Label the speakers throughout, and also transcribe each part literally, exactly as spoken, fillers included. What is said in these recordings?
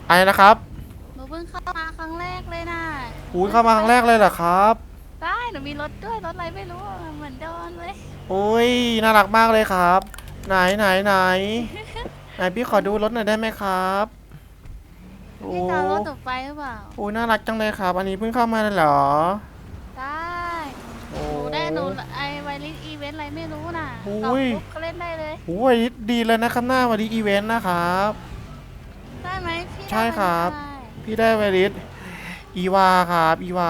Speaker 1: อะไรนะครับ
Speaker 2: หนูเพิ่งเข้ามาครั้งแรกเลยนะ
Speaker 1: อุ้ยเข้ามาครั้งแรกเลยเหรอครับ
Speaker 2: ได้หนูมีรถด้วยรถอะไรไม่รู้อะเหมือนโดนเลย
Speaker 1: โอ้ยน่ารักมากเลยครับไหนไหนไหนไหนพี่ขอดูรถหน่อยได้ไหมครับโอ้
Speaker 2: พี่จะเอารถหนูไปหรือเปล่า
Speaker 1: โอ้ยน่ารักจังเลยครับอันนี้เพิ่งเข้ามาเลยเหรอ
Speaker 2: ได้
Speaker 1: โอ้
Speaker 2: หนูได้หนูไอไวริสอีเวนต์อะไรไม่รู้น่ะ
Speaker 1: โอ้
Speaker 2: ตอบ
Speaker 1: ย
Speaker 2: ปุ๊บก็เล่นได้เลย
Speaker 1: โอ้ยดีเลยนะครับหน้าวันนี้อีเวนต์นะครับ
Speaker 2: ได้ไหมพี่ได้
Speaker 1: ใช่
Speaker 2: ไว
Speaker 1: ครับ
Speaker 2: ริสอะไร
Speaker 1: พี่ได้ไวริสอีวาครับอีวา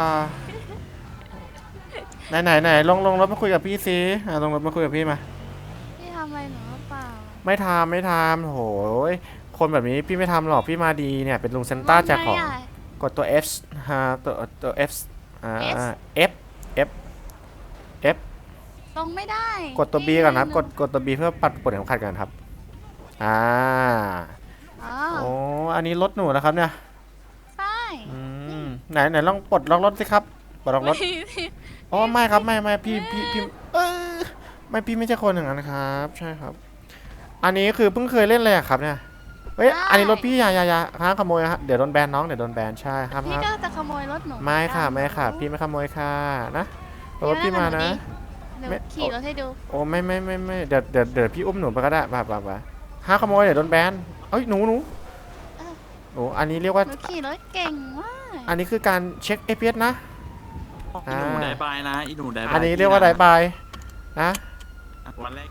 Speaker 1: ไหนไหนไหนลงลงรถมาคุยกับพี่ซิอ่ะลงรถมาคุยกับพี่มา
Speaker 2: พี่ทำอะไรหนูหรือเปล่า
Speaker 1: ไม่ทำไม่ทำโหยคนแบบนี้พี่ไม่ทำหรอกพี่มาดีเนี่ยเป็นลุงเซนต้า
Speaker 2: ว่า
Speaker 1: แจกของ
Speaker 2: ไงอ่ะ
Speaker 1: กดตัว F ฮะตัวตัว F อ่า
Speaker 2: S
Speaker 1: F F F
Speaker 2: ลงไม่ได้
Speaker 1: กดตัว B
Speaker 2: พี่
Speaker 1: ก่อนนะครับ
Speaker 2: ห
Speaker 1: กดกดตัว B เพื่อปัดปลดเข็มขัดกันครับอ่า
Speaker 2: อ๋อ
Speaker 1: โอ้อันนี้รถหนูนะครับเนี่ย
Speaker 2: ใช่
Speaker 1: อืมไหนไหนลองปลดล็อกรถสิครับปลดล็อกรถอ๋อไม่ครับไม่ไม่พี่พี่พี่เออไม่พี่ไม่ใช่คนอย่างนั้นครับใช่ครับอันนี้คือเพิ่งเคยเล่นเลยอะครับเนี่ยเฮ้ยอันนี้รถพี่อย่าอย่าอย่าห้ามขโมยครับเดี๋ยวโดนแบนน้องเดี๋ยวโดนแบนใช่ห้าม
Speaker 2: พี่
Speaker 1: ห้าม
Speaker 2: ก็จะขโมยรถหนู
Speaker 1: ไม่ค่ะ
Speaker 2: เหมื
Speaker 1: ไม่
Speaker 2: อนกัน
Speaker 1: ค่ะพี่ไม่ขโมยค่ะนะรถ
Speaker 2: เดี๋ยว
Speaker 1: พี่มานะ
Speaker 2: เดี๋ยว
Speaker 1: ไม่
Speaker 2: ขี่รถให้ดู
Speaker 1: โอ้ไม่ไม่ไม่ไม่เดี๋ยวเดี๋ยวเดี๋ยวพี่อุ้มหนูไปก็ได้ป่ะป่ะป่ะห้ามขโมยเดี๋ยวโดนแบนเอ้ยหนูหนูหนูอันนี้เรียกว่า
Speaker 2: หนูขี่รถเก่งมาก
Speaker 1: อันนี้คือการเช็ค เอ พี เอส นะ
Speaker 3: อีหนูได้บายนะอีหนูได้บาย
Speaker 1: อันนี้เรียกว่าไดบายนะ
Speaker 3: วันแรก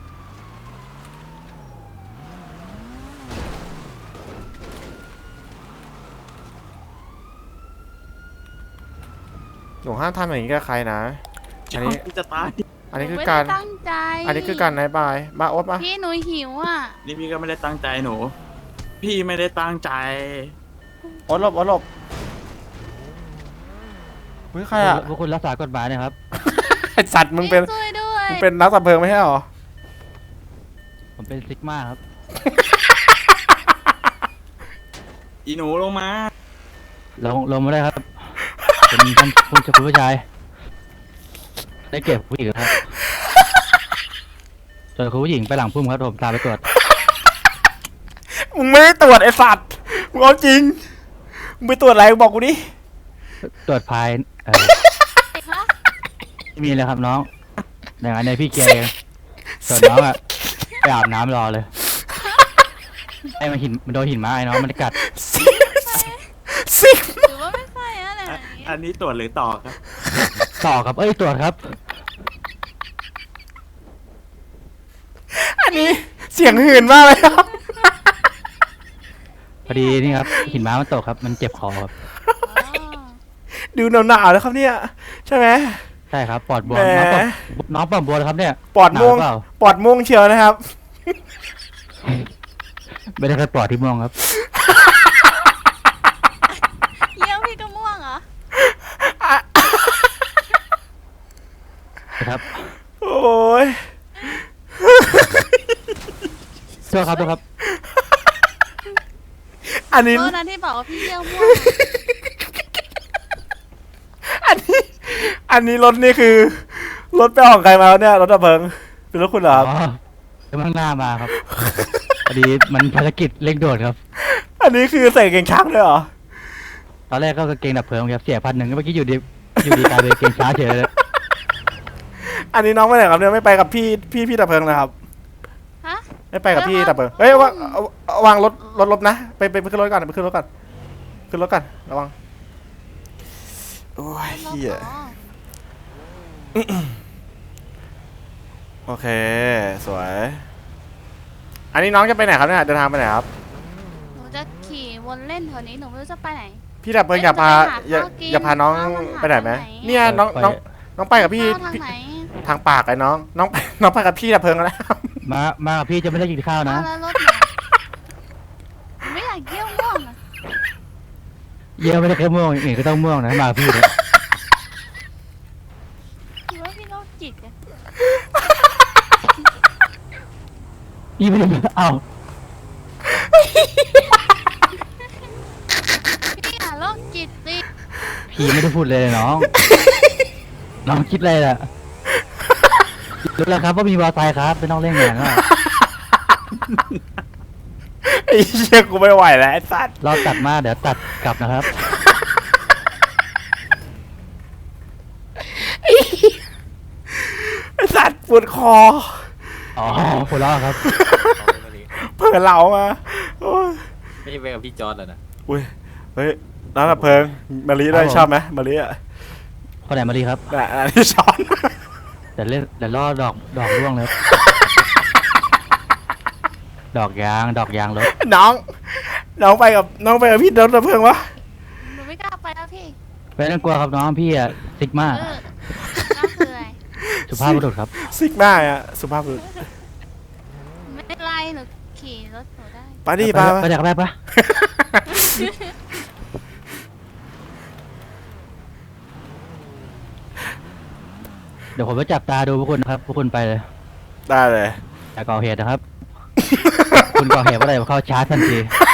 Speaker 1: หนูห้ามทำอย่างนี้กับใครนะอันนี้
Speaker 3: จะตาย
Speaker 1: อันนี้คือ
Speaker 2: หไม่
Speaker 1: การ
Speaker 2: ได้ตั้งใจ
Speaker 1: อันนี้คือการไดบายมาโอ๊ตมา
Speaker 2: พี่หนูหิวอ่ะ
Speaker 3: นี่พี่ก็ไม่ได้ตั้งใจหนู พี่ไม่ได้ตั้งใจ
Speaker 1: โอ๊ตหลบโอ๊ตหลบเฮ้ยใครอ่ะ
Speaker 4: พวกคุณรักษากฎหมายนะครับ
Speaker 1: ไอสัตว์มึงเป็น
Speaker 2: ช่วยด้วย
Speaker 1: มึงเป็นนักสับเพลิงไม่ใช่หรอ
Speaker 4: ผมเป็นซิกมาครับ
Speaker 3: อีหนูลงมา
Speaker 4: ลงลงมาได้ครับ เป็นท่านผู้ชายผู้ชาย ได้เก็บผู้หญิงครับ ส่วนคุณผู้หญิงไปหลังพุ่มครับผมตามไปตรวจ
Speaker 1: มึงไม่ได้ตรวจไอสัตว์มึงเอาจริงมึงไปตรวจอะไรบอกกูดิ
Speaker 4: ตรวจภายเออ
Speaker 2: ฮะ
Speaker 4: ไม่มีเลยครับน้องอย่างนั้นเนี่ยพี่เกียร์เองส่วนน้องอะไปอาบน้ำรอเลย ไอ้มันหินมันโดนหินมาไอ้น้องมันกัด
Speaker 1: ซิก
Speaker 2: หรือว่าไม่ใช่อะไร
Speaker 3: อันนี้ตรวจหรือต่อครับ
Speaker 4: ต่อครับ เอ้ยตรวจครับ
Speaker 1: อันนี้เสียงหื่นมากเลยครับ
Speaker 4: พอดีนี่ครับหินม้ามันตกครับ มันเจ็บคอครับ
Speaker 1: ดูหนาวๆแล้วครับเนี่ยใช่ไหม
Speaker 4: ใช่ครับปอดบวม
Speaker 1: แหม
Speaker 4: น้องปอดน้องปอดบวมครับเนี่ย
Speaker 1: ปอดม่วง
Speaker 4: หนาวเปล่า
Speaker 1: ปอดม่วงเชียวนะครับ
Speaker 4: ไม่ได้แค่ปอดที่ม่วงครับ
Speaker 2: เยี่ยวพี่ก็ม่วงเหรอ
Speaker 4: นะครับ
Speaker 1: โอ้ย
Speaker 4: โทษครับโทษครับ
Speaker 1: อันนี้
Speaker 2: โทษนะที่บอกว่าพี่เยี่ยวม่วง
Speaker 1: อันนี้อันนี้รถนี่คือรถไปของใครมาเนี่ยรถดับเพลิงเป็นรถคุณเหรอ
Speaker 4: อ๋
Speaker 1: ค
Speaker 4: อ
Speaker 1: รับ
Speaker 4: กำลังหน้ามาครับ พอดีมันภารกิจเร่งด่วนครับ
Speaker 1: อันนี้คือใส่เกงช้างด้วยเหรอ
Speaker 4: ตอนแรกก็กางเกงดับเพลิงครับเสียพันหนึ่งเมื่อกี้อยู่ดีอยู่ดีกลายเป็นกางเกงช้าเฉยเลย
Speaker 1: อันนี้น้องไปไหนครับเนี่ยไม่ไปกับพี่พี่พี่ดับเพลิงนะครับ
Speaker 2: ฮะ
Speaker 1: ไม่ไปกับพี่ดับเพลิงเฮ้ยว่าเอาเอาวางรถรถลบนะไปไปไปขึ้นรถก่อนไปขึ้นรถก่อนขึ้นรถก่อนระวังโอ้ยเฮีย
Speaker 2: อ๋อ
Speaker 1: โอเคสวยอันนี้น้องจะไปไหนครับเนี่ยเดินทางไปไหนครับ
Speaker 2: หนูจะขี่วนเล่นแถวนี้หนูไม่รู้จะไปไหน
Speaker 1: พี่ดับเพลิงอย่าพาอย่าอย่าพาน้องไปไหนไหมเนี่ยน้องน้องน้องไปกับพี่
Speaker 2: เข้าทาง
Speaker 1: พี่
Speaker 2: ไหน
Speaker 1: ทางปากไอ้น้องน้องไปน้องไปกับพี่ดับเพลิงแล้ว
Speaker 4: มามากับพี่จะไม่ได้กินข้าวนะ
Speaker 2: เอาแล้วรถหนูหนูไม่อยากเยี่ยวม่วงอะ
Speaker 4: เยี่ยมไม่ได้แค่ม่วงอื่นก็ต้องม่วงนะมากับพี่เนี่ย
Speaker 2: หรือว่าพี่โรคจิตอะ
Speaker 4: นี่ไม่ได้เอา
Speaker 2: พี่อย่าโรคจิตสิ
Speaker 4: พี่ไม่ได้พูดเลยน้อง น้องคิดอะไรล่ะรู้แล้วครับว่ามีวาไซครับไม่ต้องเล่นงานแล้ว
Speaker 1: ไอ้เหี้ยกูไม่ไหวแล้วไอ้สัตว์
Speaker 4: รอบตัดมาเดี๋ยวตัดกลับนะครับ
Speaker 1: ไอ้สัตว์ปวดคอ
Speaker 4: อ๋อหัวเราะครับ
Speaker 1: เผื่อเหลามาโอ้ย
Speaker 5: ไม่ใช่ไปกับพี่จอร์ดเหรอนะ
Speaker 1: อุ้ยเฮ้ยน้ำดับเพลิงมะลิด้วย
Speaker 4: ครับผม
Speaker 1: ชอบไหมมะลิอ่ะ
Speaker 4: คนไหนมาดีครับ
Speaker 1: น่ะอันที่ช้อน
Speaker 4: เดี๋ยวเล่นเดี๋ยวล่อดอกดอกร่วงเลยครับ ดอกยางดอกยางรถ
Speaker 1: น้อง น้องไปกับน้องไปกับพี่น้ำดับเพลิงวะ
Speaker 2: หนูไม่กล้าไปแล้วพี่
Speaker 4: ไม่ต้องกลัวครับน้องพี่อะซิกมา
Speaker 2: เออน่าเบื่อ
Speaker 4: สุภาพบุรุษครับ
Speaker 1: ซิกมาอ่ะสุภาพบุรุษ
Speaker 2: ไม่เป็นไรหนูขี่รถหนูได้
Speaker 1: ไปดิไป
Speaker 4: ไปจากแรกปะเดี๋ยวผมไปจับตาดูพวกคุณนะครับพวกคุณไปเลย
Speaker 1: ได้เลย
Speaker 4: อย่าก่อเหตุนะครับ คุณก่อเหตุเมื่อไหร่ผมเข้าชาร์จทันที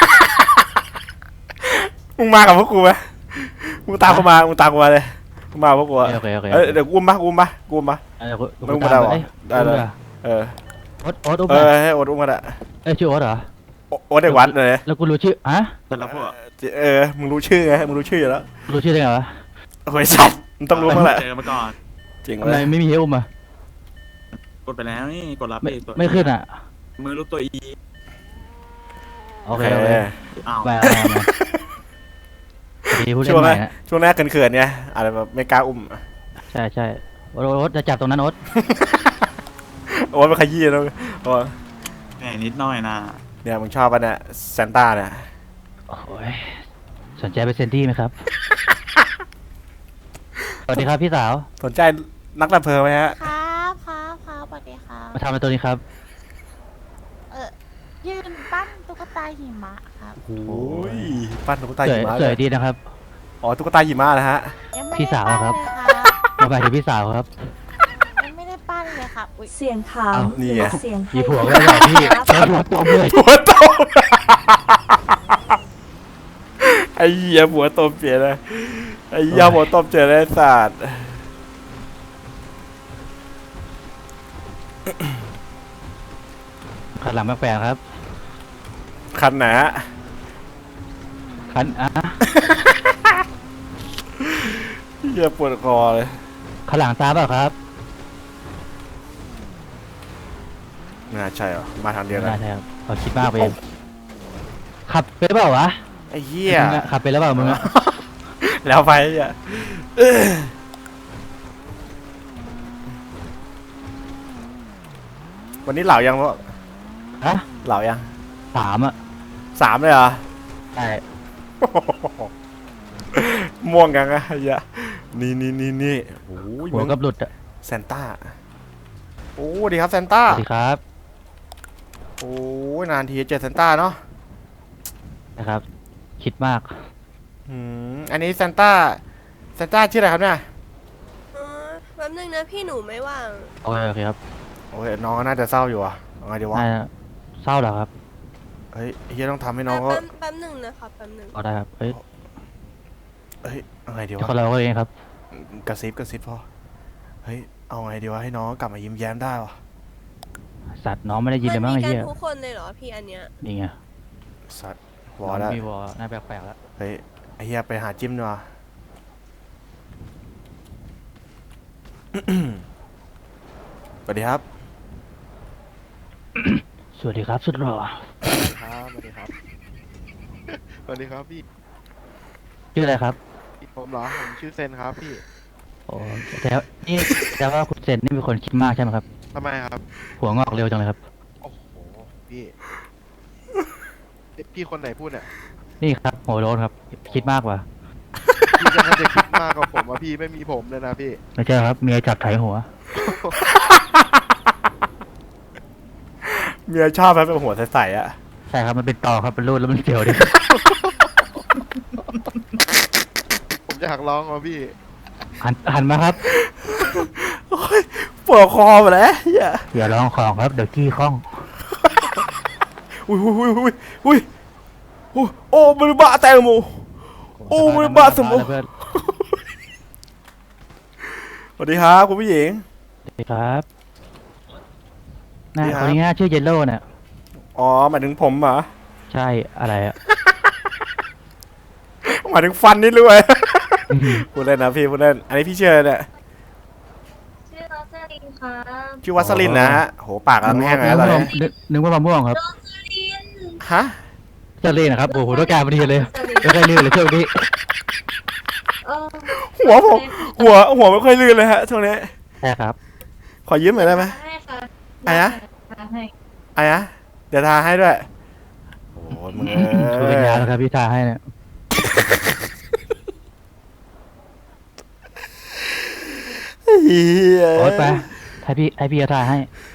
Speaker 1: มึงมากับพวกกูไหมมึงตามกูมามึงตามกูมาเลยมึงมากับพวกกูอะ
Speaker 4: โอเคโอเค
Speaker 1: เอ้ยเดี๋ยวกูอุ้มปะกูอุ้มปะกูอุ้มปะ
Speaker 4: เดี๋ยวคุณ
Speaker 1: ไม่ต้องมาได้หรอ
Speaker 4: เอ้ย
Speaker 1: ได้เลย
Speaker 4: อุ้ม
Speaker 1: เออ
Speaker 4: โอ๊ตโอ๊ตอุ้ม
Speaker 1: เอ
Speaker 4: หน่
Speaker 1: อ
Speaker 4: อย
Speaker 1: ให้โอ๊ตอุ้มกันอะ
Speaker 4: เอ้ยชื่อโอ๊ตเหรอ
Speaker 1: โอโอ๊ตเด็กวัดเลย
Speaker 4: แล้วกูรู้ชื่อฮะ
Speaker 3: แต่ละพวก
Speaker 1: เออมึงรู้ชื่อไงมึงรู้ชื่ออยู่แล้ว
Speaker 4: รู้ชื่อได้ไงวะ
Speaker 1: โอ้ยสัตว์มึงต้องรู้บ้างแหละ
Speaker 3: เจอมาก่อน
Speaker 1: จริง
Speaker 4: ทำ
Speaker 1: เล
Speaker 4: ไม
Speaker 1: ย
Speaker 4: ไม่มีให้อุ้มอ่ะ
Speaker 3: กดไปแล้วนี่กดรับ
Speaker 4: ไม่
Speaker 3: ไปตัว
Speaker 4: ไม่ขึ้นอ่ะ
Speaker 3: มือรูปตัวอี
Speaker 4: โอเคโอเค
Speaker 3: อ้าว
Speaker 4: ไปเอามามาดีผู้เล่น
Speaker 1: ช่วง
Speaker 4: ให
Speaker 1: แร
Speaker 4: ม่
Speaker 1: ก
Speaker 4: นะ
Speaker 1: ช่วงแรกเขินๆเนี่ยอะไรแบบไม่กล้าอุ้ม
Speaker 4: ใช่ใช่โอ๊ตโอ๊ตจะจับตรงนั้นโอ๊ต
Speaker 1: โอ๊ตไปขยี้แล้วโอ๊ต
Speaker 3: แหมนิดหน่อยนะ
Speaker 1: เนี่ยมึงชอบปะเนี่ยซานต้าเนี่ย
Speaker 4: โอ้ยสนใจไปเซนตี้ไหมครับ สวัสดีครับพี่สาว
Speaker 1: สนใจนักดับเพลิงไหมฮะ
Speaker 2: ครับครับครับสวัสดีครับ
Speaker 4: มาทำอะไรตัวนี้ครับ
Speaker 2: เออยืนปั้นตุ๊กตาหิมะครับ
Speaker 1: โอ้ยปั้นตุ๊กตา
Speaker 4: ส
Speaker 1: หิ
Speaker 4: วย
Speaker 1: มะ
Speaker 4: ส
Speaker 1: เล
Speaker 4: วย
Speaker 1: ย
Speaker 4: ดีนะครับ
Speaker 1: อ๋อตุ๊กตาหิมะนะฮะ
Speaker 2: ยังไม่
Speaker 4: พี่
Speaker 2: ได้
Speaker 4: สาว
Speaker 2: ปั้น
Speaker 4: ครับ
Speaker 2: เลยครับ
Speaker 4: มาไปถึงพี่สาวครับ
Speaker 2: ยังไม่ได้ปั้นเลยครับอุ๊ย
Speaker 6: เสียงขาว
Speaker 4: อ้าว
Speaker 1: นี่ไง
Speaker 6: เสียงให้
Speaker 4: มีผัวก็ได้พี่แล้วผัวตบเลย
Speaker 1: หัวโตไอ้เหี้ยหัวโตเปลี่ยนเลยไอ้เหี้ยหัวโตเจอได้ศาสตร์
Speaker 4: ขันหลังแปลกๆครับ
Speaker 1: คันไหนฮะ
Speaker 4: ขันอ่ะ
Speaker 1: เหี้ยปวดคอเลย
Speaker 4: ขันหลังตามเปล่าครับ
Speaker 1: ไม่น่าใช่หรอมาทางเดียวกั
Speaker 4: ไม่
Speaker 1: น
Speaker 4: ใช่ครับเขาคิดมากไปเองขับเป็นหรือเปล่าวะ
Speaker 1: ไอ้เหี้ย
Speaker 4: มึงอะขับเป็นหรือเปล่ามึงอะ
Speaker 1: แล้วไปอ่ะวันนี้เหล่ายังวะ
Speaker 4: ฮะ
Speaker 1: เหล่ายัง
Speaker 4: สามอะ
Speaker 1: สามเลยเหรอ
Speaker 4: ใช่
Speaker 1: ม่วงยังอะไอ้เหี้ยนี่นี่นี่นี่โอ้ย
Speaker 4: หัวกับหลุดอะ
Speaker 1: แซนต้าโอ้ดีครับแซนต้า
Speaker 4: สวัสดีครับ
Speaker 1: โอ้ยนานทีเจอแซนต้าเนาะ
Speaker 4: นะครับ คิดมาก
Speaker 1: อืมอันนี้แซนต้าแซนต้าชื่ออะไรครับเนี่ย
Speaker 7: เออแป๊บนึงนะพี่หนูไม่ว่าง
Speaker 4: โอเคโอเคครับ
Speaker 1: โอ้ยน้องก็น่าจะเศร้าอยู่อ่ะเอาไงดีวะ
Speaker 4: น่าจะเศร้าเหรอครับ
Speaker 1: เฮ้ยเฮียต้องทำให้น้อง
Speaker 7: แป๊
Speaker 1: เขา
Speaker 7: บแป๊บหนึ่งนะครับแป๊บหนึ่ง
Speaker 4: ก็ได้ครับเฮ้ย
Speaker 1: เฮ้ยเอาไงดี
Speaker 4: เดี๋ยว
Speaker 1: วะ
Speaker 4: คนเราก็เองครับ
Speaker 1: กระซิบกระซิบพอเฮ้ยเอาไงดีวะให้น้องกลับมายิ้มแย้มได้วะ
Speaker 4: สัตว์น้องไม่ได้ยินเลยมั้ง
Speaker 7: มั
Speaker 4: ไอ้
Speaker 7: มีกั
Speaker 4: เหี้ย
Speaker 7: ทุกคนเลยเหรอพี่อันเนี้ย
Speaker 4: นี่ไง
Speaker 1: สัตว์ว
Speaker 4: น้
Speaker 1: อ
Speaker 4: อง
Speaker 1: แล้ว
Speaker 4: มีวอน่าแปลกๆแล้ว
Speaker 1: เฮ้ยไอ้เฮียไปหาจิ้มดีกว่า สวัสดีครับ
Speaker 4: สวัสดีครับสุดหล่อ
Speaker 8: ครับสวัสดีครับ สวัสดีครับพี่
Speaker 4: ชื่ออะไรครับ
Speaker 8: ผมเหรอ ผมชื่อเซนครับพี่
Speaker 4: โอ้แต่นี่แต่ว่าคุณเซนนี่เป็นคนคิดมากใช่ไหมครับ
Speaker 8: ทำไมครับ
Speaker 4: หัวงอกเร็วจังเลยครับ
Speaker 8: โอ้โห พี่เอ๊ะพี่คนไหนพูดเนี่ย
Speaker 4: นี่ครับหัวโล้นครับ คิดมากกว่า
Speaker 8: พี่ก็น่าจะคิดมากกว่าผมว่าพี่ไม่มีผมเลยนะพี่
Speaker 4: ไม่ใช่ครับเมียจับไถหัว
Speaker 1: เมียชอบไหมเป็นหัวใสๆอ่ะ
Speaker 4: ใช่ครับมันเป็นตอครับเป็นรูดแล้วมันเสียวดิ
Speaker 8: ผมจะหักร้องมาพี่
Speaker 4: หันหันมาครับ
Speaker 1: โอ้ยปวดคอหมดแล้วเฮีย
Speaker 4: อย่าร้องของครับเดี๋ยวขี้ข้อง
Speaker 1: อุ้ยอุ้ยอุ้ยอุ้ยอุ้ยอุ้ยโอ้มันบ้าแตงโมโอ้มันบ้าสมโอ
Speaker 4: เพื่อน
Speaker 1: สวัสดีครับคุณผู้หญิง
Speaker 4: สวัสดีครับหน้า
Speaker 1: สวัสดีค
Speaker 4: ครับ นนี้หน้าชื่อเยลโล่เนี่ย
Speaker 1: อ๋อหมายถึงผมเหรอ
Speaker 4: ใช่อะไรอะ
Speaker 1: หมายถึงฟันนี่รู้ไหม พูดเล่นนะพี่พูดเล่นอันนี้พี่เชื่อเลยเนี่ย
Speaker 5: ชื่อโรสลินครับ
Speaker 1: ชื่อวัสลินนะฮะโหปากกำลังแห้งเลยนะตอนนี้
Speaker 4: นึกนึกว่ามะม่วงครับ
Speaker 5: โรสลิน
Speaker 1: ฮะ
Speaker 4: จะเล่นนะครับโอ้โหต้องการพอดีเลยไม่ได้ลื่นเลยช่วงนี้
Speaker 5: เออ
Speaker 1: หัวผมหัวหัวไม่ค่อยลื่นเลยฮะช่วงนี้
Speaker 4: ใช่ครับ
Speaker 1: ขอยืมหน่อยได้ไหม
Speaker 5: ให้ค่ะ
Speaker 1: อะไรนะ
Speaker 5: ให้
Speaker 1: ไอ้นะเดี๋ยวทาให้ด้วยโอ้ยมึง
Speaker 4: ช่วยเป็นยาแล้วครับพี่ทาให้เนี่ย
Speaker 1: เฮีย
Speaker 4: โอ๊ตไปให้พี่ให้พี่ทาให้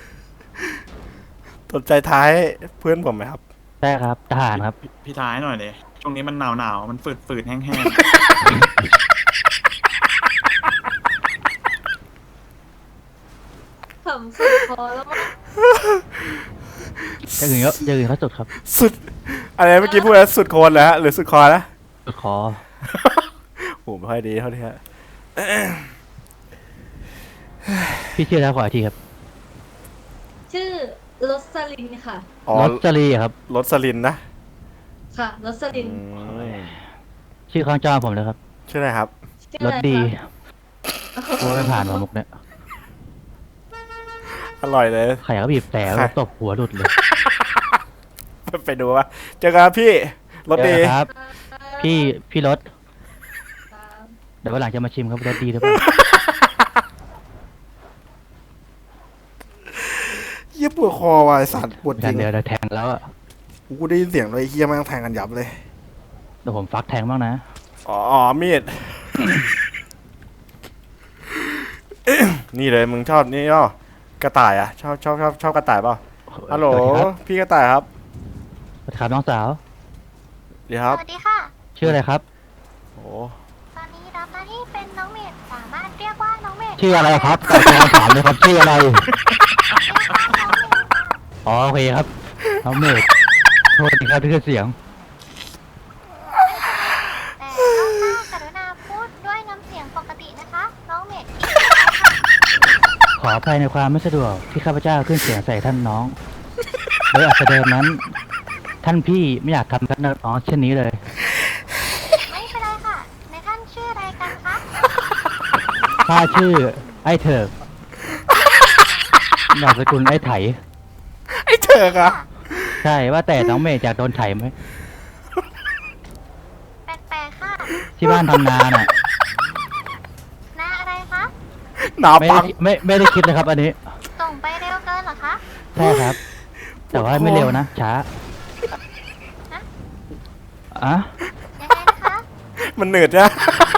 Speaker 1: สนใจท้ายเพื่อนผมไหมครับ
Speaker 4: ใช่ครับทหารครับ
Speaker 3: พี่พี่ท้ายหน่อยเลยช่วงนี้มันหนาวหนาวๆมันฝืดฝืดๆแห้งแห้ง
Speaker 5: ขำสุดพอแล้วมั้ง
Speaker 4: จะอื่นก็จะอื่นเขาสุดครับ
Speaker 1: สุดอะไรเมื่อกี้พูดแล้วสุดโคนแล้วฮะหรือสุดคอนะ
Speaker 4: สุดคอ
Speaker 1: โหไม่ค่อยดีเท่าที่ฮะ
Speaker 4: พี่ชื่อแล้วขออีกทีครับ
Speaker 5: ชื่อโรสลินค่ะ
Speaker 1: อ๋อ
Speaker 4: รสจรีครับ
Speaker 1: รถสลินนะ
Speaker 5: ค่ะโรสลิน
Speaker 1: อืม
Speaker 4: ชื่อข้างจอผมเลยครับ
Speaker 1: ชื่ออะไรครับ
Speaker 5: ชื่อ
Speaker 4: ร
Speaker 5: อะ
Speaker 4: ส
Speaker 5: ไร
Speaker 4: ดี
Speaker 5: คะ
Speaker 4: กลัวไม่ผ่านมามุกเนี่ย
Speaker 1: อร่อยเลย
Speaker 4: ใครก็บีบแต่
Speaker 1: ใคร
Speaker 4: ตบหัวหลุดเลย
Speaker 1: ไปดูว่าเจอกันครับพี่รถดี
Speaker 4: เจอกันครับ พี่พี่รถเดี๋ยววันหลังจะมาชิมครับรสดีหรือเปล่า
Speaker 1: เยี่ยปวดคอว่ะไอ้สัตว์ปวดจ
Speaker 4: กั
Speaker 1: ริ
Speaker 4: น
Speaker 1: ง
Speaker 4: เดี๋ยวเดี๋ยวแทงแล้วอ่ะ
Speaker 1: กูได้ยินเสียงเลยไอ้เฮียแม่งแทงกันยับเลย
Speaker 4: เดี๋ยวผมฟักแทงบ้างนะ
Speaker 1: อ๋ออ๋อมีด นี่เลยมึงชอบนี่ย่อกระต่ายอ่ะชอบชอบชอบชอบกระต่ายเปล่าฮัลโหล
Speaker 4: สวัสดีครับ
Speaker 1: พี่กระต่ายครับ
Speaker 4: สวัสดีครับน้องสาว
Speaker 1: เดี๋ยวครับ
Speaker 2: สวัสดีค่ะ
Speaker 4: ชื่ออะไรครับ
Speaker 1: โอ้
Speaker 2: ตอนนี้รับหน้าที่เป็นน้องเมดสามารถเรียกว่าน้องเมด
Speaker 4: ชื่ออะไรครับตอบคำถามเลยครับชื่ออะไรอ๋อโอเคครับน้องเมดโทษทีครับที่เสียง
Speaker 2: แต่ต้องหน้ากรุณาพูดด้วยน้ำเสียงปกตินะคะ น้องเมด
Speaker 4: ขออภัยในความไม่สะดวกที่ข้าพเจ้าขึ้นเสียงใส่ท่านน้องโดยอาจจะเดิมนั้น ท่านพี่ไม่อยากทำกับน้องเช่นนี้เลย
Speaker 2: ไม่เป็นไรค่ะ ในท่านชื่ออะไรกันคะ
Speaker 4: ข้าชื่อไอ้เถิกนามสกุลไอ้ไถ
Speaker 1: ไอ้เถิกอะ
Speaker 4: ใช่ว่าแต่น้องเมย์อยากโดนไถไหม
Speaker 2: แปลกๆค่ะ
Speaker 4: ที่บ้านทำนาน่ะ
Speaker 2: หน้าอะไรคะ
Speaker 1: หนาว
Speaker 4: ไม่
Speaker 1: ปั
Speaker 4: ได้
Speaker 1: ง
Speaker 4: ไม่ไม่ได้คิดเลยครับอันนี้
Speaker 2: ส่งไปเร็วเกินเหรอคะ
Speaker 4: ใช่ครับ แต่ว่าไม่เร็วนะ ช้าอะ
Speaker 2: ยังไงนะคะ
Speaker 1: มันเหนืดนะ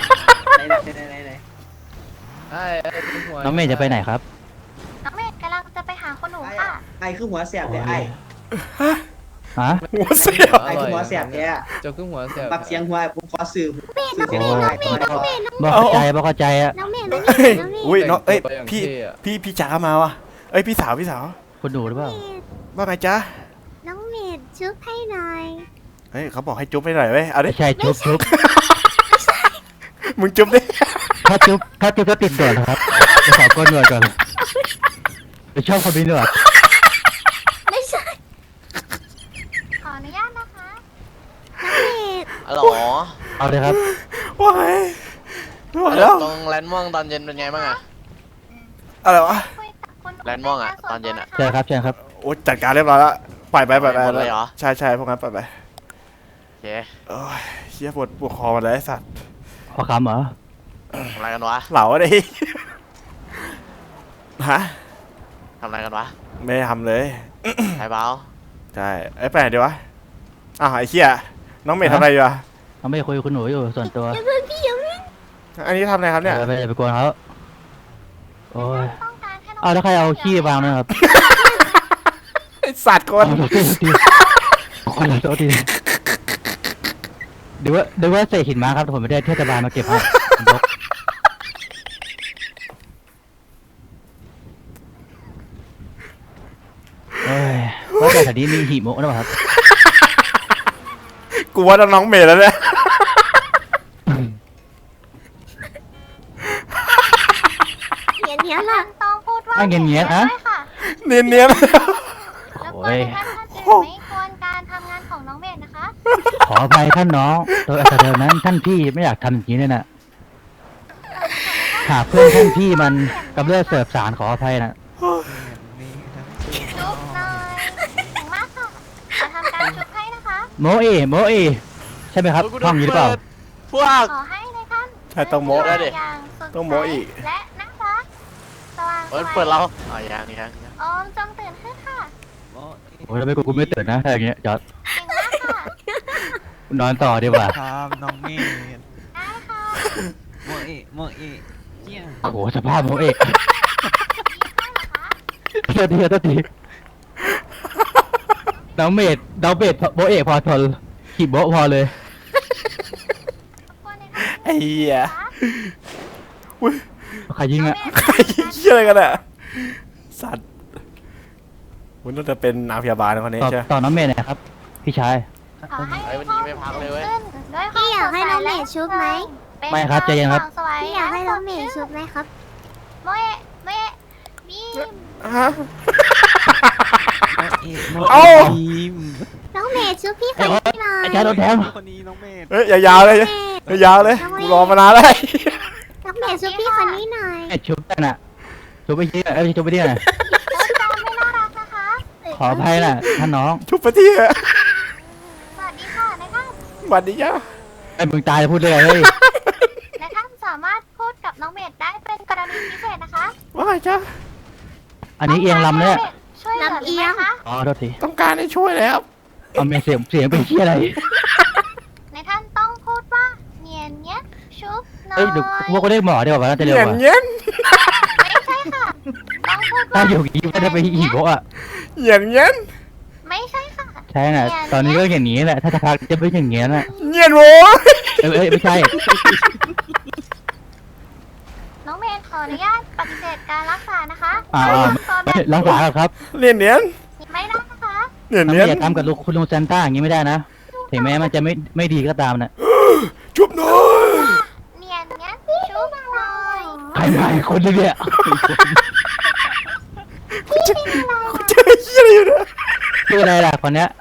Speaker 4: น้องเมย์จะไปไหนครับ
Speaker 2: น้องเมดกำลังจะไปหาคนหนูค่ะ
Speaker 6: ไอ้คือหัวเสียบเลยไอ้
Speaker 4: ฮะ
Speaker 1: หัวเสียว
Speaker 6: ไอ้คือหัวเสียบแก
Speaker 9: เจ้าคือหัวเสียบ
Speaker 6: ปักเสียงหัวผมขอสื่อสื่อเสียงหัวไอ้ก่อนก่อน
Speaker 4: บอกเข้าใจบอกเข้าใจอะ
Speaker 2: น้องเมด
Speaker 1: เฮ้ยอุ้ยน้องเอ้ย
Speaker 9: แต่งตัวอย่าง
Speaker 1: พี่
Speaker 9: เท่อะ
Speaker 1: พี่พี่จ๋ามาว่ะเอ้ยพี่สาวพี่สาว
Speaker 4: คุณดูหรือเปล่า
Speaker 1: ว่าไงจ๊ะ
Speaker 2: น้องเมดชุบให้หน่อย
Speaker 1: เฮ้ยเขาบอกให้จุ๊บให้หน่อยเว้ยเอาดิ
Speaker 4: ไม่ใช่ชุบชุบ
Speaker 1: มึงจุ๊บดิ
Speaker 4: ถ้าจุบถ้าจุบก็ติดด่วนนะครับจะขอก้นหนวดก่อนไปชอบคนมีหนวด
Speaker 2: ไม่ใช่ ขออนุญาตนะคะ น้องเมด
Speaker 9: อ๋อเหรอ
Speaker 4: เอาเลยครับ
Speaker 1: ว้ายไม่ไหวแล้ว
Speaker 9: ตรงแลนด์ม่วงตอนเย็นเป็นไงบ้างอะ
Speaker 1: อะไรวะ
Speaker 2: คุยกับคนห
Speaker 9: แลนด์ม่วงอะตอนเย็นอะ
Speaker 4: ใช่ครับใช่ครับ
Speaker 1: โอ้จัดการเรียบร้อยแล้วปล่อยไปปล่อยไป
Speaker 9: หมดเลยเหรอ
Speaker 1: ใช่ใช่พวกนั้นปล่อยไป
Speaker 9: โอเค
Speaker 1: โอ้ยเชี่ยปวดปวดคอมาเลยไอ้สัตว์
Speaker 4: ขอคำเหรอ
Speaker 9: ทำอะไรกันวะ
Speaker 1: เหลาดิฮะ
Speaker 9: ทำอะไรกันวะ
Speaker 1: ไม่ได้ทำเลย
Speaker 9: ไอ้เบา
Speaker 1: ใช่ไอ้ยไปไหนดีวะอ้าวไอ้เชี่ยน้องเมย์ทำอะไรอยู่อะ
Speaker 4: น้องเมย์คุยกับคุณหนูอยู่ส่วนตัว
Speaker 1: อันนี้ทำอะไรครับเนี่ย
Speaker 4: ไปไปไปกวนเขาโอ้ย
Speaker 2: ต้องการแค่น้อง
Speaker 4: เอาแล้วใครเอาขี้วางนะครับ
Speaker 1: ไอ้สัตว์คน
Speaker 4: เอาโทษทีขอโทษทีเดี๋ยวว่าเดี๋ยวว่าเศษหินมาครับผมไม่ได้เทศบาลมาเก็บให้ยกเอ้ยว่าแต่แถวนี้มีหิมะหรือเปล่าครับ
Speaker 1: กูว่าน้องเมย์แล้วเนี่ย
Speaker 2: เนียนเนียนล่ะต้องพูดว่า
Speaker 4: อ่ะเนียนๆอะ
Speaker 2: ด้วยค่ะ
Speaker 1: เนียนเนียน
Speaker 2: แล้วก็
Speaker 4: โอ้ย
Speaker 2: ท่านท่านอื่นไม่ควรการทำงานของน้องเมด
Speaker 4: ออภัยท่านน้องโดยอัตรานั้นท่านพี่ไม่อยากทำอย่างนี้เลยนะหากเพื่อนท่านพี่มันกำเริบเสบสารขออภัยนะ
Speaker 2: ชุบหน่อยถึงมากค่ะจะทำการชุบให้นะคะ
Speaker 4: โมเอโมเอใช่ไหมครับห้องนี้หรือเปล่า
Speaker 9: พวก
Speaker 2: ขอให้ในท่าน
Speaker 1: ใช่ต้องโม
Speaker 9: ได้ดิ
Speaker 2: อย่างสด
Speaker 1: ต้องโมอีก
Speaker 2: ใสและน่ารักสว่าง
Speaker 9: เอ้ย
Speaker 2: ไส
Speaker 9: เปิดเราอ๋อยังยังยัง
Speaker 2: โอมจงตื่นขึ้นค่ะ
Speaker 4: โอ้ยแล้วไม่กูกูไม่ตื่นนะถ้าอย่างเงี้ยจอด
Speaker 2: เก่งมากค่ะ
Speaker 4: นอนต่อดีกว่า
Speaker 10: ครับน้องเมธ
Speaker 2: ได้ค่ะ
Speaker 10: โมเอะโมเอะเจีย
Speaker 4: โอ้โหสภาพโมเอ
Speaker 2: ดีข้างเหรอคะ
Speaker 4: เท่าทีเท่าทีน้องเมดน้องเมดโมเอพอทนขีบโบะพอเลย
Speaker 2: รบกวนในท่าน
Speaker 1: ไอ้เหี้ย
Speaker 2: คะ
Speaker 1: อุ้ย
Speaker 4: ใครยิงอะ
Speaker 1: ใครเหี้ยอะไรกันอะสัตว์มันน่าจะเป็นนางพยาบาลคนนี้
Speaker 4: ต่อ
Speaker 1: ใช่ไหม
Speaker 4: ต่อน้องเมดหนะครับ พี่ชาย
Speaker 2: ขอให้
Speaker 9: ไอ้วันนี้ไม่พักเลยเว้ย
Speaker 2: ขึ้นด้วยความ
Speaker 11: พี่อยากให้น้องเมย์ชุบไหม
Speaker 2: เป็น
Speaker 4: ไม่ครับใจเย็นครับ
Speaker 2: สว่างไส
Speaker 11: พี่อยากให้น้องเมย์ชุบไหมครับ
Speaker 2: โมเอะโมเอะบีม
Speaker 1: ฮะ
Speaker 10: โม
Speaker 1: เอ้า
Speaker 10: ทีม
Speaker 11: น้องเมย์ชุบพี่คนนี้หน่อย
Speaker 4: ไอ้ชายโดนแทง
Speaker 10: คนนี้น้องเมธ
Speaker 1: เฮ้ยยาวๆเลยยาวๆเลยกูรอมานานแล้ว
Speaker 11: น้องเมย์ชุบพี่คนนี้หน่อย
Speaker 4: ไอ้ชุบกันอะชุบไปที่ไหนเอ้ยชุบไปที่ไหน
Speaker 2: พูดจาไม่น่ารักนะคะ
Speaker 4: ขออภัยนะท่านน้อง
Speaker 1: ชุบไปที่อะ
Speaker 2: สวัสดีค่ะนายท่าน
Speaker 1: หวัดดีจ้า
Speaker 4: ไอ้มึงตายแล้วพูดเลยเฮ้ย
Speaker 2: นายท่านสามารถพูดกับน้องเมดได้เป็นกรณีพิเศษนะคะ
Speaker 1: ว่าไงจ้า
Speaker 4: อันนี้เอียงลำเนี่ย
Speaker 2: ช่วยเหลือหรือไม่คะ
Speaker 4: อ๋อโทษที
Speaker 1: ต้องการให้ช่วยแล้ว
Speaker 4: เอาเมย์เสียงเสียงเป็นที่อะไร
Speaker 2: นายท่านต้องพูดว่าเนียนเนี้ยชุบหน่อย
Speaker 4: เอ้ยเดี๋ยวพวกก็เรียกหมอดีกว่าน่าจะเร็ว
Speaker 1: เงี้ย
Speaker 4: กว่า
Speaker 1: เงี้ย
Speaker 2: ไม่ใช่ค่ะ ต้องพูด
Speaker 4: ถ้า
Speaker 2: ว่า
Speaker 4: อยู่อย่างนี้ก็จะไปอีกโบะอะ
Speaker 1: เงี้ยเงี้ย
Speaker 2: ไม่ใช่ค่ะ
Speaker 4: ใช่น่ะ ตอนนี้ก็อย่างนี้แหละ ถ้าจะพักจะเป็นอย่างนี้น่ะ
Speaker 1: เงี้ยโว้ย
Speaker 4: เอ้ยเอ้ยไม่ใช่
Speaker 2: น้องเมดขออนุญาตปฏิเสธการรักษานะคะ
Speaker 4: อ่า
Speaker 2: ตอนแบ
Speaker 4: ไม่
Speaker 2: บ
Speaker 4: รักษาครับ
Speaker 1: เนียนเนียน
Speaker 2: ไม่ได้นะคะ
Speaker 1: เนียน
Speaker 4: น้อง
Speaker 1: เนียน
Speaker 4: อย่าทำกับลูกคุณลุงซานต้าอย่างนี้ไม่ได้นะ ถึงแม้มันจะไม่ไม่ดีก็ตามนะ
Speaker 1: ชุบหน่อย
Speaker 2: เนียนเนี้ยชุบหน่อย
Speaker 4: ใครมาอีกคนนึงเนี่ย
Speaker 1: กูเจอกูเจอเหี้ยอะไรอยู่เนี่ย
Speaker 4: ชื่ออะไรล่ะคนเนี้ย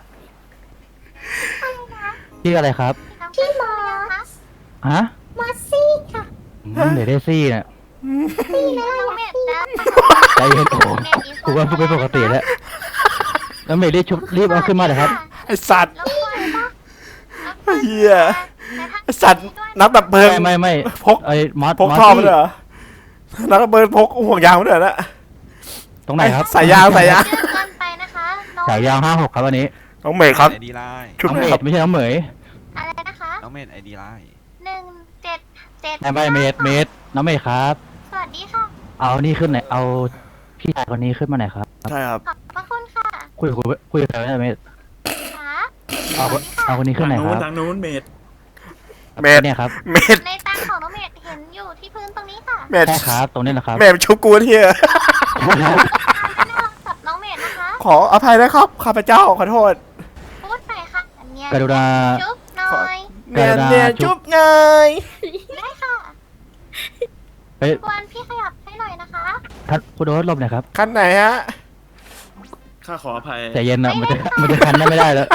Speaker 4: ชื่ออะไรครับ
Speaker 2: พี่หมอคะ
Speaker 4: ฮะ
Speaker 11: มอสซี่ค่ะ
Speaker 4: อืมเดี๋ยวได้ซี่น่ะ
Speaker 2: พี่นะน้องเมดนะ
Speaker 4: ใจเย็นโอ้โหกูว่ากูเป็นปกติแล้วแล้วเมย์รีบชุบรีบเอาขึ้นมาเลยครับ
Speaker 1: ไอสัตว์
Speaker 2: รบกวนปะ
Speaker 1: เหี้ยไอสัตว์นักดับเพลิง
Speaker 4: ไม่ไม่ไม่
Speaker 1: พก
Speaker 4: ไอ้มอส
Speaker 1: พก
Speaker 4: มอส
Speaker 1: ท่อ
Speaker 4: ซี่
Speaker 1: มาด้วยเหรอนักดับเพลิงพกห่วงยางมาด้วยเหรอนะ
Speaker 4: ตรงไหนครับ
Speaker 1: สายยางสายยาง
Speaker 2: เยอะเกินไปนะคะน้อง
Speaker 4: สายยาวห้าหกครับวันนี้
Speaker 1: น้องเมย์ครับ
Speaker 10: ไอดีไลน์
Speaker 1: ชุบ
Speaker 4: น้อง
Speaker 1: หน่
Speaker 4: เม
Speaker 1: อย
Speaker 4: ย์ไม่ใช่น้องเหมย
Speaker 2: อะไรนะคะ
Speaker 10: น้องเมธไอดีไลน์
Speaker 2: หนึ่งเจ็ดเจ็ด
Speaker 4: ไม่ไม่เมย์เมย์น้องเมย์ครับ
Speaker 2: สวัสดีค่ะ
Speaker 4: เอานี่ขึ้นหน่อยเอาพี่ชายคนนี้ขึ้นมาหน่อยครับ
Speaker 1: ใช่ครับ
Speaker 2: ขอบพระคุณค่ะ
Speaker 4: คุยคุยคุยกับใครไม่ได้เมย์
Speaker 2: ค่ะ
Speaker 4: เอาเอาคนนี้ขึ้นหน่อย
Speaker 3: ทาง
Speaker 4: ค
Speaker 3: นู้น
Speaker 4: รับ
Speaker 3: ทางนู้นเมด
Speaker 1: เมย์
Speaker 4: เนี่ยครับ
Speaker 1: เมย์
Speaker 2: ในตังของน้องเมดเห็นอยู่ที่พื้นตรงนี้ค่ะ
Speaker 1: เมย์
Speaker 4: ใช่ครับ ตรงนี้นะครับ
Speaker 1: เมย์ชุบกูเที่ย
Speaker 2: น่ารักกับน้องเมดนะคะ
Speaker 1: ขออภัยนะครับข้าพเจ้าขอโทษ
Speaker 2: พูดไปค่ะเนียน
Speaker 4: กรุณา
Speaker 2: จุ๊บหน่อย
Speaker 1: เนียนเนียนชุบไง
Speaker 2: ได้ค่ะ
Speaker 4: เฮ้ย
Speaker 2: ควรพี่ขยับให้หน่อยนะคะ
Speaker 4: ท่านคุณโดสหลบหน่อยครับ
Speaker 1: ขั้นไหนฮะ
Speaker 3: ข้าขออภัย
Speaker 4: ใจเย็นนะมันจะมันจะคันได้ไม่ได้แล้ว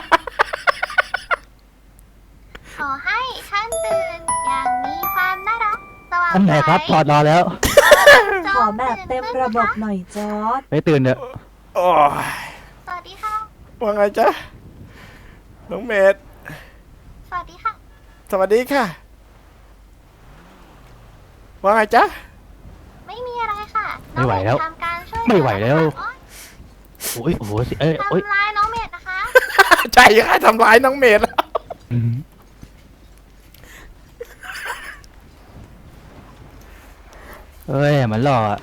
Speaker 2: ขอให้ท่านตื่นอย่างมีความน่ารักสว่าง
Speaker 4: ท่านไหนครับถอดรอแล้ว
Speaker 2: ขอแบบเต็มระบบหน่อย
Speaker 4: ไปตื่นเถอะ
Speaker 1: โอ้ย
Speaker 2: สวัสดีค่ะ
Speaker 1: ว่าไงจ๊ะน้องเมย์
Speaker 2: สวัสดีค่ะ
Speaker 1: สวัสดีค่ะว่าไงจ๊ะ
Speaker 2: ไม่มีอะไรค่ะ
Speaker 4: ไม่ไหวแล้ว
Speaker 2: น้องเมดทำการช่วย
Speaker 4: ไม่ไหวแล้ว
Speaker 2: โอ๊ย
Speaker 4: โอ้ยโอ้โหสิเอ้ยโอ้ย
Speaker 2: ทำร้ายน้องเมดนะคะ
Speaker 1: ใจค่ะทำร้ายน้องเมย์แล้ว
Speaker 4: อืมเอ้ยมันหล่ออะ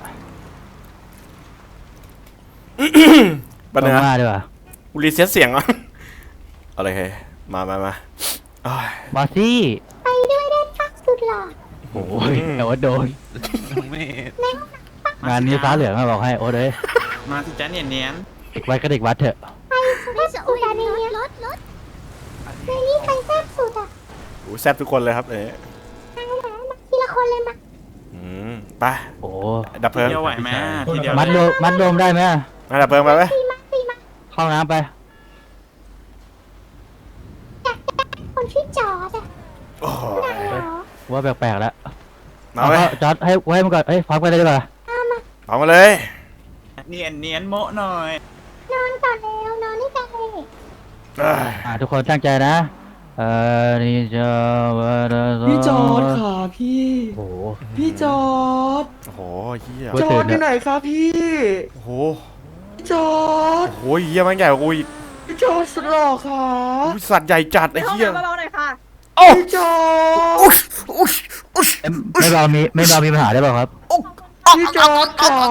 Speaker 1: บัน
Speaker 4: ต้
Speaker 1: เนื้
Speaker 4: อง
Speaker 1: อ
Speaker 4: มาดีกว่า
Speaker 1: กูรีเซ็ตเสียงอ่ะอะไรเฮ้ยมามามาโอ้ย
Speaker 4: มอสซี่
Speaker 11: ไปด้วยได้ค่ะสุดหล่อ
Speaker 4: โอ้ยแต่ว่าโดน
Speaker 10: น้องเมธ
Speaker 4: งานนี้ฟ้าเหลืองอะบอกให้โอ้เลย
Speaker 3: มาที่จ้าเนียนเนียน
Speaker 4: เด็กวัดก็เด็กวัดเถอะ
Speaker 11: ไปสุดให้สุดอะในนี้รถรถในนี้ใครแซ่บสุดอ่ะ
Speaker 1: โอ้แซ่บทุกคนเลยครับเอ๋
Speaker 11: มามาทีละคนเลยมา
Speaker 1: อืมไป
Speaker 4: โอ้
Speaker 1: ดับเพลิง
Speaker 3: เดียวไหวไหมทีเดียว
Speaker 4: มัดโดมมัดโดมได้ไหม
Speaker 1: มาดับเพลิงไปไหม
Speaker 11: ตีมาตีมา
Speaker 4: เข้าน้ำไป
Speaker 11: คนชื่อจอดอะ
Speaker 1: โอ้ย
Speaker 4: ว่าแปลกๆแล้ว
Speaker 1: มาเว้ย
Speaker 4: จอดให้ไว้มันก่อนเอ้ยพร้อมกันเลยดีกว่า
Speaker 1: เอามาเลย
Speaker 3: เนียนเนียนโมะหน่อย
Speaker 11: นอนก่อนแล้วนอนด้วยกันเลย
Speaker 1: เอ้ย
Speaker 4: อ่าทุกคนตั้งใจนะเอ่อนี่จะ
Speaker 6: พี่จอร์ดค่ะพี่
Speaker 4: โอ้โห
Speaker 6: พี่จอร์ด
Speaker 1: โอ้โหเฮีย
Speaker 4: ว่า
Speaker 6: จอร์ดอยู่ไหนคะพี่
Speaker 1: โอ้โห
Speaker 6: พี่จอร์ด
Speaker 1: โอ้โหเฮียมันใหญ่กว่ากูอีก
Speaker 6: พี่จอร์ดสุดหล่อค่ะ
Speaker 1: อุ๊ยสัตว์ใหญ่จัดไอ้เฮีย
Speaker 7: เบาๆหน่อยค่ะ
Speaker 1: โอ้
Speaker 6: พี่จอร์ด
Speaker 1: อุ๊ยอุ๊ยอุ๊ย
Speaker 4: ไม่เรามีไม่เรามีปัญหาได้เปล่าครับ
Speaker 6: พี่จอร์ดค่ะ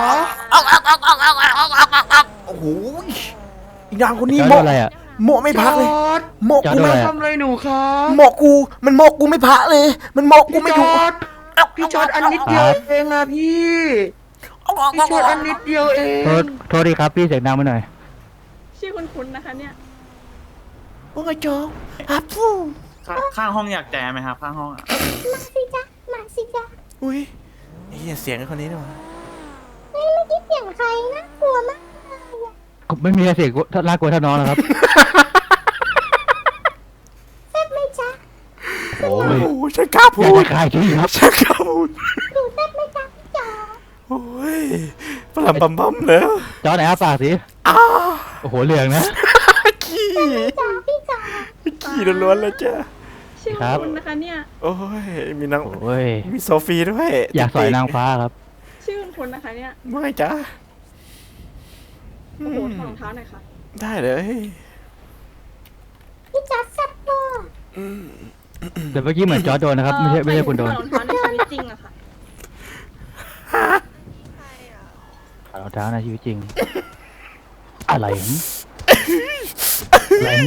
Speaker 1: โอ้โหอีนางคนนี้
Speaker 4: จอด
Speaker 1: โม
Speaker 4: อะไรอ่ะ
Speaker 1: โมไม่พักเลย
Speaker 6: จอร์ด
Speaker 1: โม
Speaker 4: จอด
Speaker 1: กู
Speaker 4: ด้ว
Speaker 1: ไม่
Speaker 4: ย
Speaker 6: ทำอะไรหนูคะ
Speaker 1: โมกูมันโมกูไม่พักเลย มันโมกู
Speaker 6: พี่
Speaker 1: ไม่
Speaker 6: จ
Speaker 1: ถูก
Speaker 6: อร์ดพี่จอร์ดอันนิดเดียวเองอะพี่พี่จอร์ดอันนิดเดียวเอง
Speaker 4: โทษโทษดีครับพี่เสียงดังไปหน่อย
Speaker 7: ชื่อคุ้นๆนะคะเนี่ย
Speaker 1: ว่าไงจ๊อกฮับฟู
Speaker 3: ข้างข้างห้องอยากแจมไหมครับข้างห้องอะ
Speaker 11: มาสิจ๊ะมาสิจ๊ะ
Speaker 1: อุ้ยไอ้เฮียเสียงไอ้คนนี้นี่หว่า
Speaker 11: เฮ้ยเมื่อกี้เสียงใครนะกลัวมากเลยอะ
Speaker 4: ไม่มีเสียงน่ากลัวเท่าน้องแล้วครับ
Speaker 11: แซ่บไหมจ๊ะ
Speaker 4: โอ้
Speaker 1: โอ้
Speaker 4: ย
Speaker 1: โหฉันกล้า
Speaker 4: อ
Speaker 1: พู
Speaker 4: ยาก
Speaker 1: ด
Speaker 4: จะคลายจริงครับ
Speaker 1: ฉันกล้าพูด
Speaker 11: หนูแซ่บไหมจ๊ะพี่จอด
Speaker 1: โอ้ยปลำปั๊มปั๊มเลย
Speaker 4: จอไหนอาปากสิ
Speaker 1: อ้า
Speaker 4: โอ้โหเหลืองนะ
Speaker 1: ขี้
Speaker 11: จ๊ะพี่จอด
Speaker 1: ขี้ล้วนๆเลยจ้ะ
Speaker 7: ชื่อ
Speaker 4: ครับ
Speaker 7: คุ้นๆนะคะเนี่ย
Speaker 1: โอ้ยมีนาง
Speaker 4: โอ้ย
Speaker 1: มีโซฟีด้วย
Speaker 4: อยากสอยนางฟ้าครับ
Speaker 7: ชื่อคุ้นๆนะคะเนี่ย
Speaker 1: ไม่จ้ะ
Speaker 7: โอ้โหถอดรองเท้าหน่อยค่ะ
Speaker 1: ได้เลย
Speaker 11: พี่จอดแซ่บเวอร์
Speaker 4: แต่เมื่อกี้เหมือนจอร์จโดนนะครับ ไม่ใช่ไม่ใช่คุณโดน
Speaker 7: ถอดรองเท้าในชีวิตจริงอะค่ะใช่อะ
Speaker 4: ขาดรองเท้าในชีวิตจริง อะไรหึอะไรหึ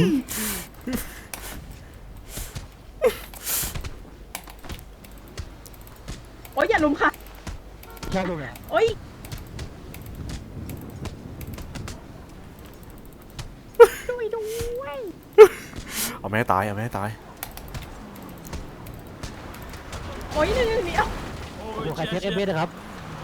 Speaker 7: โอ๊ยอย่าลุมค่ะ
Speaker 4: ชอบดูไง
Speaker 7: โอ๊ย ช่วยด้วย
Speaker 1: เอาไม่ให้ตายเอาไม่ให้ตาย
Speaker 7: โอ๊ยเดี๋ยวเดี๋ยวเดี๋ยว
Speaker 4: โอ้โหใครเช็คเอฟเอสนะครับ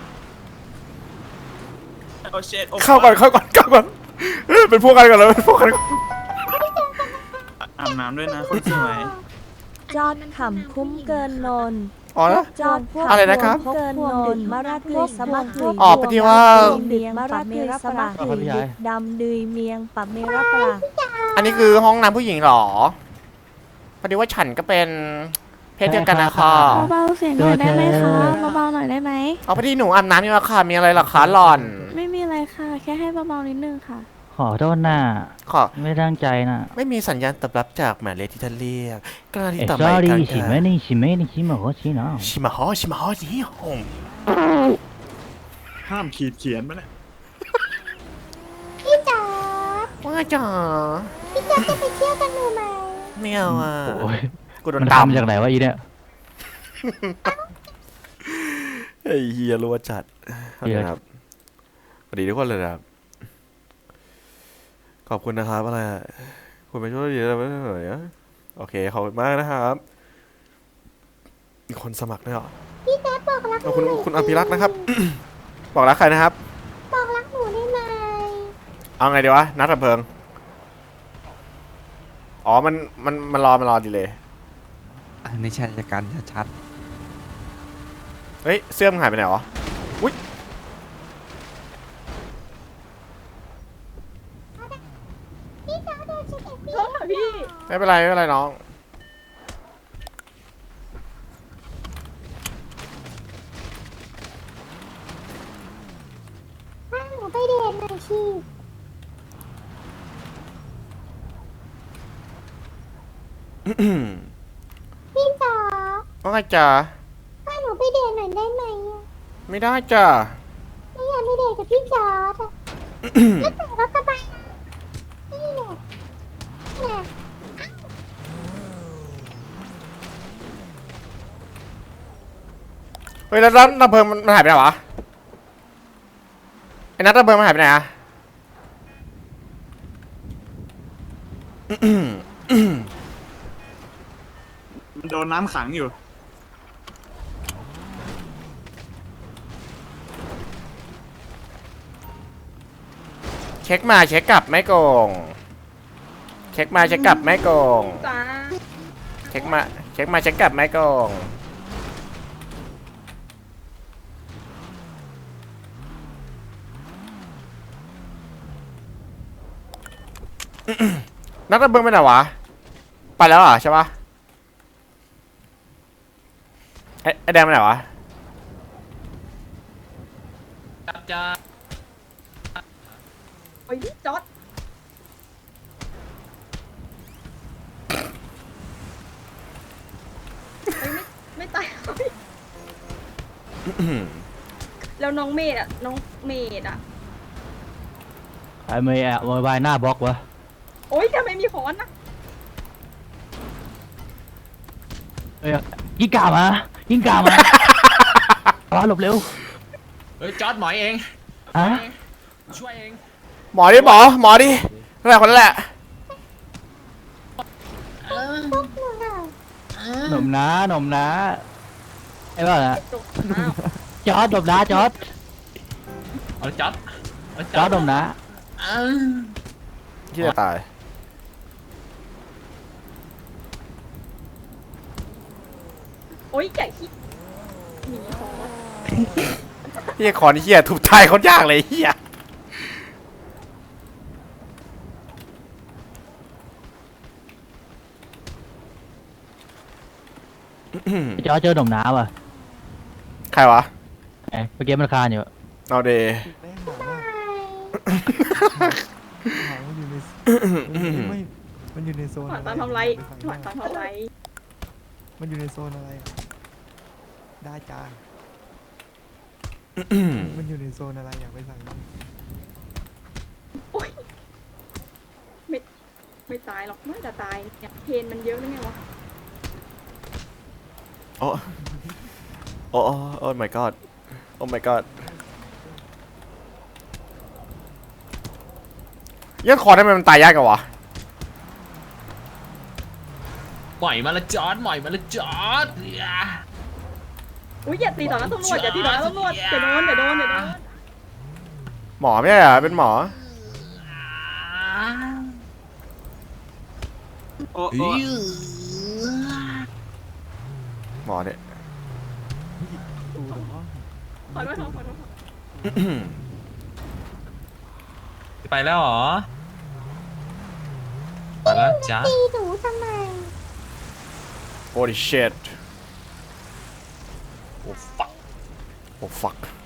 Speaker 3: เอาเช็ด
Speaker 1: เข้าก่อนเข้าก่อนเข้าก่อนเอ้ยเป็นพวกกันก่อนเลยเป็นพวกกันก่อน
Speaker 3: อาบน้ำด้วยนะคนสวย
Speaker 12: จอดขำคุ้มเกินนน
Speaker 1: อ๋อนะ
Speaker 12: จอดพวก
Speaker 1: อะไรนะครับ
Speaker 12: เกินนนมะระกึยสมักกึย
Speaker 1: อ๋อพอดีว่า
Speaker 12: เมียงมะระกึยสมักกึยดึกดำดืยเมียงปับเมระปราง
Speaker 1: อันนี้คือห้องน้ำผู้หญิงเหรอพอดีว่าฉันก็เป็นเพศเดียวกันนะคะ
Speaker 12: เบาๆเสียงหน่อยได้ไหมคะเบาๆหน่อยได้ไหม
Speaker 1: เอาพอดีหนูอาบน้ำอยู่อะค่ะมีอะไรเหรอคะหล่อน
Speaker 12: ไม่มีอะไรค่ะ แค่ให้เบาๆนิดนึงค่ะ
Speaker 4: ขอโทษนะ
Speaker 1: ขอ
Speaker 4: ไม่ตั้งใจนะ
Speaker 1: ไม่มีสัญญาณตอบรับจากหมายเลขที่ท่านเรียกกล้าที่
Speaker 4: เอ้ย
Speaker 1: ต่อ
Speaker 4: ส
Speaker 1: ไป
Speaker 4: อรี่
Speaker 1: กัน
Speaker 4: ชิเมนี่ชิเมนี่ชิโมโหชิโนะ
Speaker 1: ชิมาฮอชิมาฮอนี่หง
Speaker 3: ห้ามขีดเขียนมาเนี่ย
Speaker 11: พี่จอด
Speaker 1: ว่าจ๋า
Speaker 11: พี่จอดจะไปเที่ยวกันหนูไหม
Speaker 1: ไม่เอาอ่ะ
Speaker 4: โอ้ย
Speaker 1: กูโด
Speaker 4: มัน น
Speaker 1: ตาม
Speaker 4: ทำจากไหนวะอีเนี่ย
Speaker 1: ไอ้เฮียรัวจัดขอบคุณครับสวัสดีทุกคนเลยนะครับขอบคุณนะครับอะไรอะคุณไปช่วยดีแล้วไม่เหนื่อยอะโอเคขอบคุณมากนะครับมีคนสมัครด้วยเหรอ
Speaker 11: พี่แจ๊บบอกรักห
Speaker 1: ขอบ
Speaker 11: นู
Speaker 1: คุณ
Speaker 11: หน่อย
Speaker 1: คุณอภิรักษ์นะครับ บอกรักใครนะครับ
Speaker 11: บอกรักหนูได้ไหม
Speaker 1: เอาไงดีวะนัดดับเพลิงอ๋อมันมันมันรอมันรอดีเลย
Speaker 10: อันนี้ชายการชัด
Speaker 1: เฮ้ยเสื้อมันหายไปไหนวะอุ้ย
Speaker 11: พี่จอดเดินเช็คเอฟพี่
Speaker 7: โทษค่ะพี่
Speaker 1: ไม่เป็นไรไม่เป็นไรน้อง
Speaker 11: พาหนูไปเดทหน่อยชี พี่จอด
Speaker 1: ว่าไงจ๊ะ
Speaker 11: พาหนูไปเดทหน่อยได้ไหมอะ
Speaker 1: ไม่ได้จ้ะ
Speaker 11: ไม่อยากไปเดทกับพี่จอดอะแล้วแต่รถกระบะนี่แหละนี่แหละ
Speaker 1: เฮ้ยแล้วนัดดับเพลิงมันหายไปไหนวะไอ้นัดดับเพลิงมันหายไปไหนอะ
Speaker 3: มันโดนน้ำขังอยู่
Speaker 1: เช็คมาเช็คกลับไม่โกง เช็คมาเช็คกลับไม่โกง
Speaker 7: จ้า
Speaker 1: ช็คมาเช็คมาเช็คกลับไหมกองนักระเบิงไปไหนวะไปแล้วเหรอใช่ปะไอ้ไอ้แดงไปไหนวะ
Speaker 3: จับจ้า
Speaker 7: โอ้ยจอดเฮ้ยไม่ไม่ตายแล้วน้องเมดอ่ะน้องเมดอ่ะ
Speaker 4: ไอ้เมย์อะโวยวายหน้าบล็อกวะ
Speaker 7: โอ๊ยทำไมมีค้อนนะ
Speaker 4: เอ้ยยิงกามายิงกามาอ๋อหลบเร็ว
Speaker 3: เฮ้ยจอดหมอยเอง
Speaker 4: ฮะ
Speaker 3: ช่วยเอง
Speaker 1: หมอดิหมอหมอดินั่นแหละคนนั้นแหละ
Speaker 11: พวกหนูน่ะ
Speaker 4: หนุ่มนะหนุ่มนะไอ้บ้าอะ
Speaker 7: จบอ้าว
Speaker 4: จอร์ดหนุ่มนะจอร์ด
Speaker 3: เอาจอดเอา
Speaker 4: จอร์ดหนุ่มนะ
Speaker 1: ที่จะตาย
Speaker 7: โอ๊ยใหญ่ขี้หนีค้อน
Speaker 1: เฮียขอนเฮียถูกตายคนยากเลยเฮีย
Speaker 4: จอร์ดเจอหนุ่มนะว่ะ
Speaker 1: ใครวะ
Speaker 4: ไอ้เมื่อกี้มันคานอยู่
Speaker 1: เอาเดย์
Speaker 10: แม่งหมาหมามันอยู่ในไม่มันอยู่ในโซน
Speaker 7: หวาน
Speaker 10: อะไร
Speaker 7: ตามทำไร
Speaker 10: ไปสั่ง
Speaker 7: หวานตามทำไร
Speaker 10: มันอยู่ในโซนอะไรอะได้จ้ามันอยู่ในโซนอะไรอยากไปสั่งบ้าง
Speaker 7: โอ๊ยไม่ไม่ตายหรอกน่าจะตายเนี่ยเพนมันเยอะนะไงวะ
Speaker 1: โอ้โอ้โอ้ my god โอ้ my god ยังขอทำไมมันตายยากกันวะ
Speaker 3: หมอยมาละจอดหมอยมาละจอด
Speaker 7: อุ้ยอย่าตีต่อหน้าตำรวจอย่าตีต่อหน้าตำรวจเดี๋ยวโดนเดี๋ยวโดนเดี๋ยวโดน
Speaker 1: หมอไม่ใช่เหรอเป็นหมอ
Speaker 3: โอ้โอ้
Speaker 1: หมอเนี่ย
Speaker 10: ตูเหรอ
Speaker 7: ขอโทษขอโทษขอโทษ
Speaker 3: ไปแล้วเหรอไปแล้วจ้า
Speaker 11: ตีหนูทำไม
Speaker 1: holy shit
Speaker 3: โอ้ฟัก
Speaker 1: oh fuck